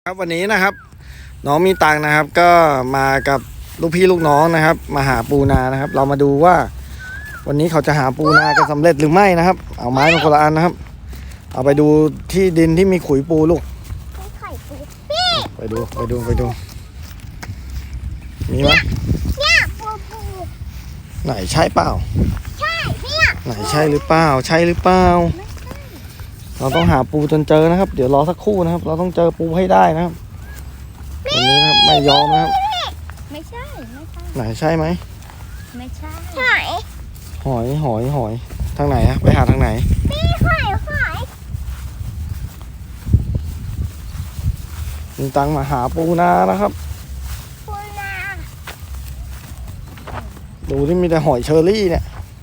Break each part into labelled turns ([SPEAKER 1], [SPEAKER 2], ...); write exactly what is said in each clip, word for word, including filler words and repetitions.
[SPEAKER 1] ครับวันนี้นะครับน้องมีตังค์นะครับก็มากับลูกพี่ลูกน้องนะครับมาหาปูนานะครับเรามาดูว่าวันนี้เขาจะหาปูนากันสำเร็จหรือไม่นะครับเอาไม้มาคนละอันนะครับเอาไปดูที่ดินที่มีขุยปูลูกไปดูไปดูไปดูมีไหม
[SPEAKER 2] เนี่ยปูปู
[SPEAKER 1] ไหนใช่เปล่า
[SPEAKER 2] ใช่เนี่ย
[SPEAKER 1] ไหนใช่หรือเปล่าใช่หรือเปล่าเราต้องหาปูจนเจอนะครับเดี๋ยวรอสักครู่นะครับเราต้องเจอปูให้ได้นะครับวันนี้นะครับไม่ยอมนะครับ
[SPEAKER 2] ไม่ใช่ไม่ใช่
[SPEAKER 1] ไหนใช่ไหม
[SPEAKER 2] ไม่ใช่หอย
[SPEAKER 1] หอยหอยหอยทางไหนอะไปหาทางไหน
[SPEAKER 2] นี่หอยหอย
[SPEAKER 1] มีตังค์มาหาปูนานะครับ
[SPEAKER 2] ปูนา
[SPEAKER 1] ดูที่มีแต่หอยเชอรี่เนี่ย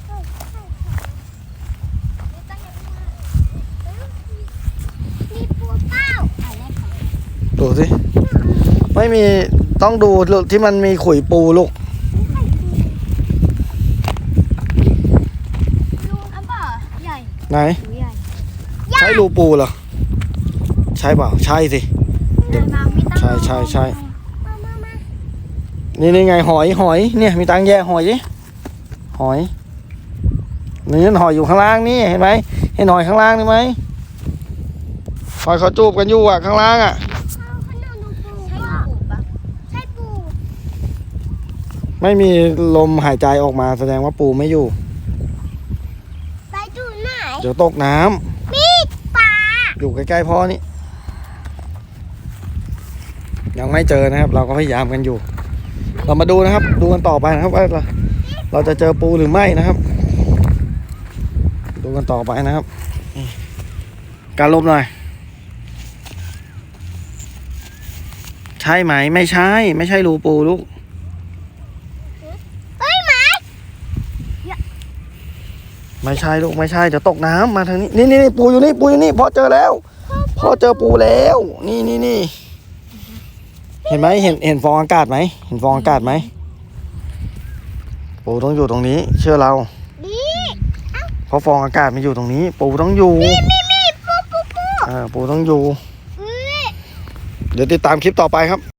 [SPEAKER 2] มีปูเป้าอะไรของ
[SPEAKER 1] ดูสิไม่มีต้องดูที่มันมีขุยปูลูก
[SPEAKER 2] ลุงอันบ่ใหญ่
[SPEAKER 1] ไหน
[SPEAKER 2] หรือใหญ่
[SPEAKER 1] ใช่รูปูเหรอใช่เปล่าใช่สิ
[SPEAKER 2] ใหญ่มากไม่ต้อง
[SPEAKER 1] ใช่ใช่ใช่
[SPEAKER 2] มามามา
[SPEAKER 1] นี่นี่ไงหอยหอยเนี่ยมีตังค์แย่หอยดิหอยนี่หอยอยู่ข้างล่างนี่เห็นไหมเห็นหอยข้างล่างนี่ไหมหอยเขาจูบกันอยู่อ่ะข้างล่างอ่ะ
[SPEAKER 2] เอาขนมดูปูใช่ปูปะใช่ปู
[SPEAKER 1] ไม่มีลมหายใจออกมาแสดงว่าปูไม่อยู่
[SPEAKER 2] ไปดูไหน
[SPEAKER 1] เดี๋ยวตกน้ำ
[SPEAKER 2] มีปลา
[SPEAKER 1] อยู่ใกล้ๆพ่อนี่ยังไม่เจอนะครับ เราก็พยายามกันอยู่ เรามาดูนะครับ ดูกันต่อไปนะครับว่าเราเราจะเจอปูหรือไม่นะครับ ดูกันต่อไปนะครับนี่การลบหน่อยใช่ไหมไม่ใช่ ไม่ใช่รูปูลูก
[SPEAKER 2] เอ้ยหมา
[SPEAKER 1] ไม่ใช่ลูกไม่ใช่จะตกน้ำมาทางนี้นี่นี่นี่ปูอยู่นี่ปูอยู่นี่พ่อเจอแล้วพ่อเจอปูแล้ว นี่นี่นี่เห็นไหมเห็นเห็นฟองอากาศไหมเห็นฟองอากาศไหมปูต้องอยู่ตรงนี้ เชื่อเรา
[SPEAKER 2] ดี
[SPEAKER 1] เพราะฟองอากาศมันอยู่ตรงนี้ ปูต้องอยู่
[SPEAKER 2] มีมีปูปูปู
[SPEAKER 1] อ่าปูต้องอยู่
[SPEAKER 2] เอ้ย
[SPEAKER 1] เดี๋ยวติดตามคลิปต่อไปครับ